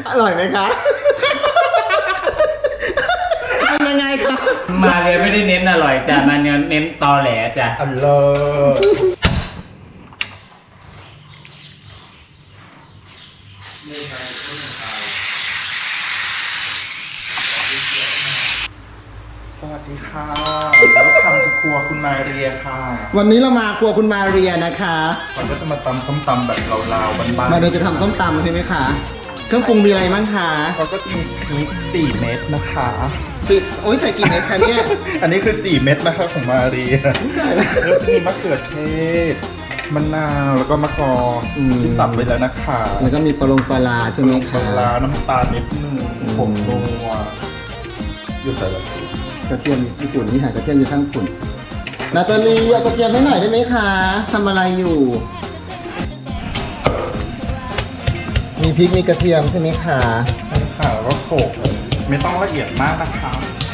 อร่อยไหมคะมันยังไงครับมาเรียไม่ได้เน้นอร่อยจ้ะมาเน้นตอแหลจ้ะอร่อยสวัสดีค่ะแล้วทำจะครัวคุณมาเรียค่ะวันนี้เรามาครัวคุณมาเรียนะคะเราก็จะมาตำส้มตำแบบลาวๆบ้านๆมาเรียจะทำส้มตำใช่ไหมคะเครื่องปรุงมีอะไรบ้างคะเราก็จะมีพริก4 เม็ดนะคะปิดโอ้ยใส่กี่เม็ดคะเนี่ยอันนี้คือ4 เม็ดนะคะของมาเรียแล้วจะมีมะเขือเทศมะนาวแล้วก็มะกอกที่สับไปแล้วนะคะแล้วก็มีปลาใช่ไหมคะปลาน้ำตาลนิดนึงผงนัวอยู่ใส่ละสิกระเทียมญี่ปุ่นนี่หากระเทียมอยู่ข้างฝุ่นนาตาลีเอากระเทียมให้หน่อยได้ไหมคะทำอะไรอยู่มีพริกมีกระเทียมใช่ไหมคะใช่ค่ะแล้วก็โขลกไม่ต้องละเอียดมากนะคะ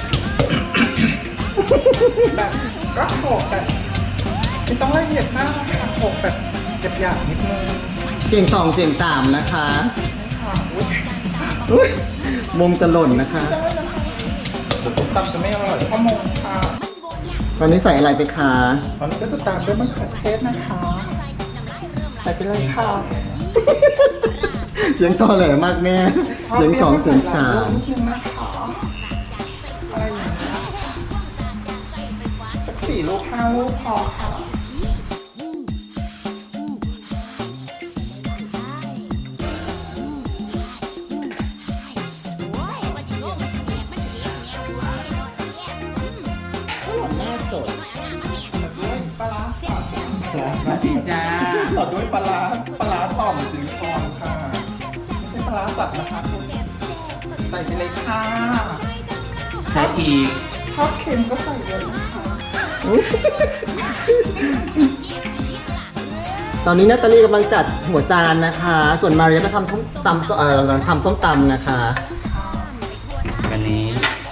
แบบก็โขลกแบบไม่ต้องละเอียดมากนะคะโขลกแบบหยาบๆนิดนึงเสียง2เสียง3นะคะมุมจะหล่นนะคะแต่ส้มตำจะไม่อร่อยเพราะมงค่ะตอนนี้ใส่อะไรไปคะตอนนี้ก็จะตามด้วยมะเขือเทศนะคะใส่ไปเลยค่ะเสียงต่อแหลมากแม่เสียง2เสียง3 อะไรอย่างเงี้ยสัก4 ลูก 5 ลูกพอค่ะมาดีจ้าต่อด้วยปลาต่อมซิลิคอนค่ะไม่ใช่ปลาสับนะคะคุณใส่ไปเลยค่ะใช้อีกชอบเค็มก็ใส่เลยนะคะตอนนี้นาตาลีกำลังจัดหัวจานนะคะส่วนมาเรียก็ทำส้มตำนะคะวันนี้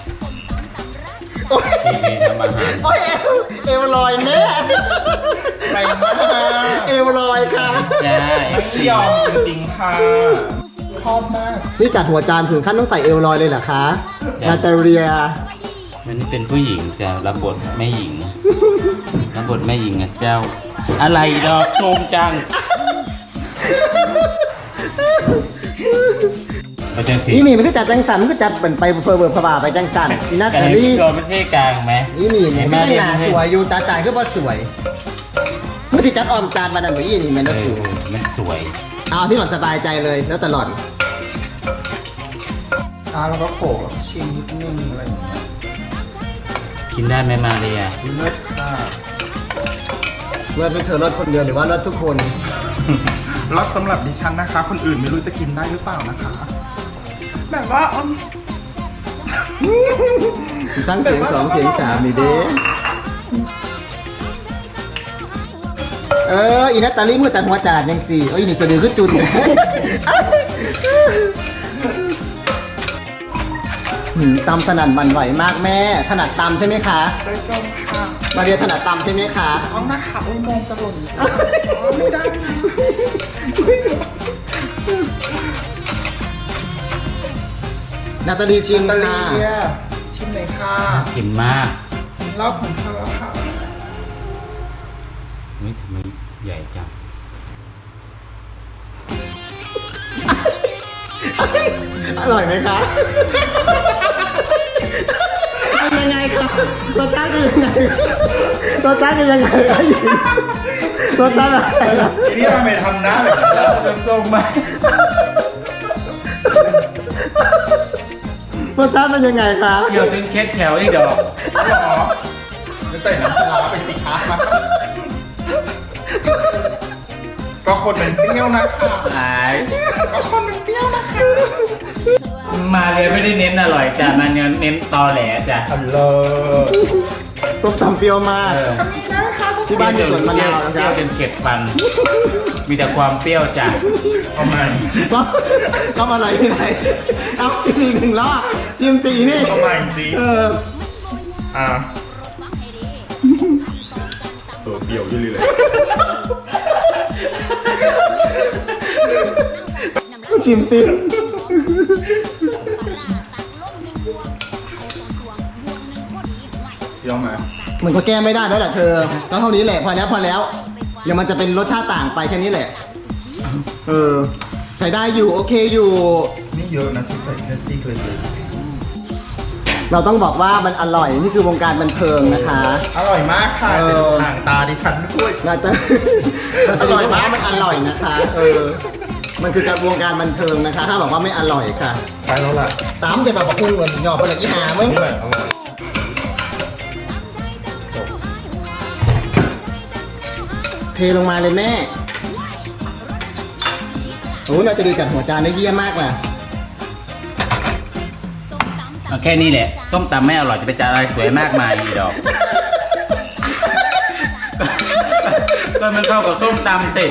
ทีนี้ทำอาหารโอ้ยเอวลอยแม่ไปมากเอวลอยค่ะใช่ไม่ยอมจริงๆค่ะชอบมากนี่จัดหัวจานถึงขั้นต้องใส่เอวลอยเลยเหรอคะนาตาเลียวันนี้เป็นผู้หญิงจะรับบทแม่หญิงรับบทแม่หญิงนะเจ้าอะไรดอกโจมจังนี่มันก็จัดจังสันมันก็จัดเป็นไปเฟอร์เวอร์พบ่าไปจังสันนี่นาตาลีตัวไม่ใช่กลางไหมนี่มันก็ยังหนาสวยอยู่ตาจ่ายก็ว่าสวยเมื่อที่จัดออมจานมาดันไปนี่มันก็สวยมันสวยเอาที่หล่อนสบายใจเลยแล้วตลอดแล้วก็โขลกแล้วชิมนิดนึงอะไรอย่างเงี้ยกินได้ไหมมาเรียเลิศค่ะเลิศเป็นเธอเลิศคนเดียวหรือว่าเลิศทุกคนรสสำหรับดิฉันนะคะคนอื่นไม่รู้จะกินได้หรือเปล่านะคะแบบว่าชั้นเสียง2เสียง3นี่เด้อีนาตาลีมือตัดหัวจานยังสี่อีนี่จะดื้อขึ้นจุนตำถนัดบันไหวมากแม่ถนัดตำใช่ไหมคะโดยตรงค่ะมาเรียนถนัดตำใช่ไหมคะเอาหน้าขาอุ้ยมองจะหล่นไม่ได้นาตาลีชิมค่ะชิมเลยค่ะกินมากรอบของเธอแล้วค่ะนี่ทำไมใหญ่จังอร่อยไหมคะเป็นยังไงครับรสชาติเป็นยังไงรสชาติเป็นยังไงรสชาติอะไรนี่ทำไมทำหน้าแบบตรงๆมารสชาติเป็นยังไงคะเกี่ยวเป็นเคสแถวอีกดอกไม่ใส่น้ำปลาไปสิคะก็คนมันเปรี้ยวนะคะก็คนมันเปรี้ยวนะคะมาเลยไม่ได้เน้นอร่อยจ้ะมาเน้นตอแหลจ้ะอร่อยส้มตำเปรี้ยวมากที่บ้านมีสวนมะนาวนะครับเปรี้ยวจนเข็ดฟันมีแต่ความเปรี้ยวจ้ะทำไมก็อะไรที่ไหนเอาชิมอีก1 รอบชิมสีนี่ทำไมสิเปรี้ยวอยู่เลยชิมสิเดี๋ยวไหมมันก็แก้ไม่ได้แล้วแหละเธอก็เท่านี้แหละพอแล้วเดี๋ยวมันจะเป็นรสชาติต่างไปแค่นี้แหละใช้ได้อยู่โอเคอยู่นี่เยอะนะที่ใส่แค่ซี่เลยเราต้องบอกว่ามันอร่อยนี่คือวงการบันเทิงนะคะอร่อยมากค่ะเป็นห่างตาดิฉันด้วยเราจะอร่อยมากมันอร่อยนะคะมันคือการวงการบันเทิงนะคะถ้าบอกว่าไม่อร่อยค่ะใช่แล้วล่ะตามจะแบบบอกคุณเหมือนหยอกไปเลยอีหามึงนี่แหละเอามาเทลงมาเลยแม่โอ้เราจะดีจัดหัวจานได้เยี่ยมมากว่ะเอาแค่นี้แหละส้มตำไม่อร่อยจะไปจัดอะไรสวยมากมายอีดอกก็มันเข้ากับส้มตำสิ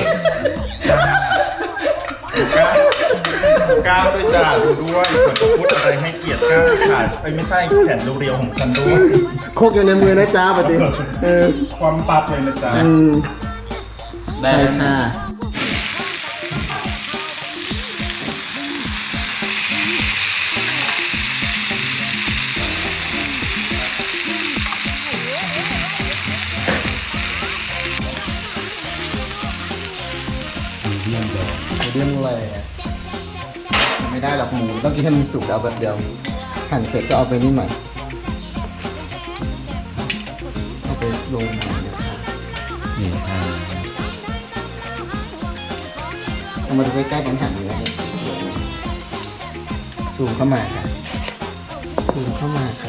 ก้าวด้วยจ้าดูด้วยเปิดพูดอะไรให้เกียรติก้าวค่ะไม่ใช่แขนเรียวๆของฉันด้วยโคกอยู่ในมือนะจ้าปฏิความปั๊บเลยนะจ๊ะได้ใช่แล้วค่ะเรื่องอะไรไม่ได้หรอกหมูต้องกินให้มันสุกแล้วแบบเดียวหั่นเสร็จก็เอาไปนี่ใหม่เอาไปลงมาเนี่ยค่ะนี่ค่ะเอามาดูใกล้ๆกันหั่นอยู่นะเนี่ยซูมเข้ามาค่ะซูมเข้ามาค่ะ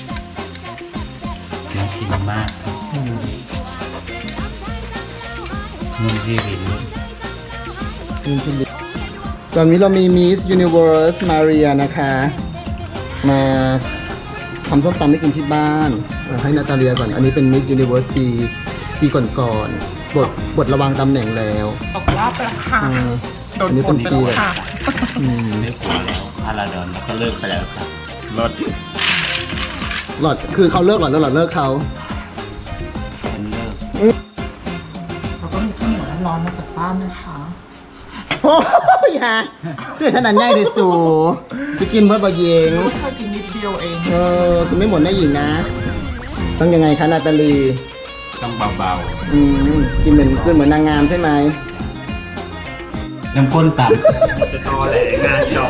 น่ากินมากครับอืมนุ่มที่ลิ้นตอนนี้เรามี Miss Universe Maria นะคะ มาทำส้มตำให้กินที่บ้านให้นาตาเลียก่อน อันนี้เป็น Miss Universe ปีก่อนๆบทระวังตำแหน่งแล้วตกรอบไปแล้วค่ะ โดนอันนี้กเป็ดนไปปีแล้วค่ะไม่กลัวแล้วพาราดอนก็เลิกไปแล้วครับรถหลอดคือเขาเลิกหลอดแล้วหลอดเลิกเขาเป็นเลิกแล้วก็มีข้าวเหนียวร้อนๆมาจากบ้านนะคะโอ้ยฮะเพื่อฉันอันง่ายที่สูไปกินเบิร์ดบะเยงรู้แค่กินนิดเดียวเองคือไม่หมดได้หญิงนะ ต้องยังไงคะนาตาลีต้องเบากินเหมือนนางงามใช่ไหมๆน้ำข้นต่ำจะตอแหลงานจอก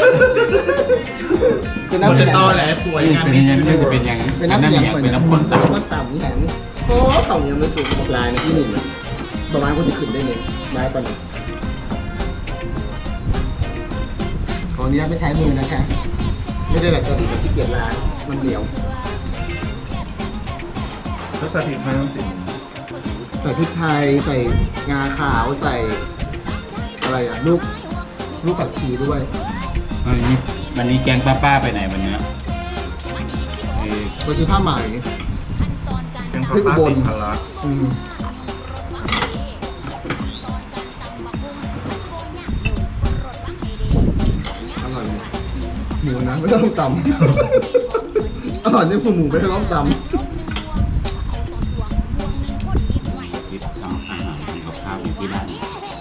เป็นน้ำจะแข็งตอแหลสวยนี่งามเป็นยังไงจะเป็นยังไงเป็นน้ำแข็งเป็นน้ำข้นต่ำข้นต่ำนี่แหงโอ้เขายังไม่สูงบอกลายนะที่นี่นะประมาณคนจะขึ้นได้เนี่ยได้ปะเนี่ยขออนุญาตไม่ใช้มือนะคะ ไม่ได้แบบจะดีแบบที่เกียจล้างมันเหนียวรสชาติไม่ต้องติดใส่พริกไทยใส่งาขาวใส่อะไรอ่ะลูกผักชีด้วยวันนี้แกงป้าๆไปไหนวันเนี้ยไปซื้อผ้าไหมเป็นข้าวปลาติดพละอืมอร่อยไหมหมูนะไม่ต้องตำอร่อยนี่คือหมูไม่ต้องตำคิดทำอาหารทำกับข้าวอยู่ที่บ้าน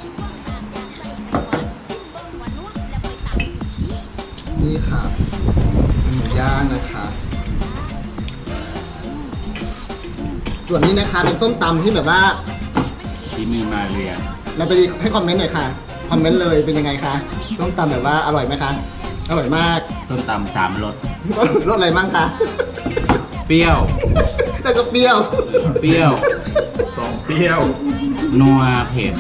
นี่ค่ะหมูย่างนะคะ ส่วนนี้นะคะเป็นส้มตำที่แบบว่าที่มีมาเรียเราไปให้คอมเมนต์หน่อยค่ะ คอมเมนต์เลยเป็นยังไงคะส้มตำแบบว่าอร่อยไหมคะ อร่อยมากส้มตำ3 รสรสอะไรมั่งคะเปรี้ยวแล้วก็เปรี้ยวเปรี้ยวสองเปรี้ยวนัวเผ็ด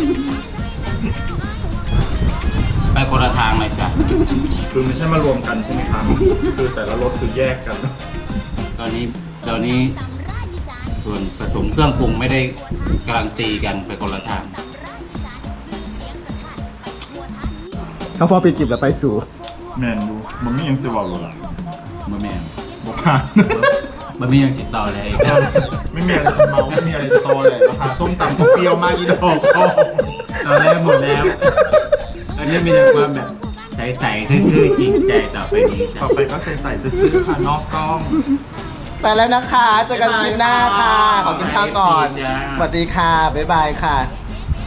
ไปคนละทางเลยจ้ะคือไม่ใช่มารวมกันใช่ไหมครับ คือแต่ละรสคือแยกกันตอนนี้ส่วนผสมเครื่องปรุงไม่ได้กำลังตีกันไปคนละทางเขาพอปิดจิบแล้วไปสู่แมนดูมันไม่ยังสิบอกเลยล่ะบะแมนบอกผ่านบะหมี่ยังติดต่อเลยไม่มีอะไรจะเมาไม่มีอะไรจะโตเลยราคาส้มตำก็เปรี้ยวมากอีดอกก็ตอนแรกหมดแล้ว อันนี้มีแต่ความแบบใสๆคือจริงใจต่อไปนี้ต่อไปก็ใส่ซื้อๆค่ะนอกกล้องไปแล้วนะคะเจอกันคลิปหน้าค่ะ ขอกินข้าวก่อน สวัสดีค่ะ บ๊ายบายค่ะ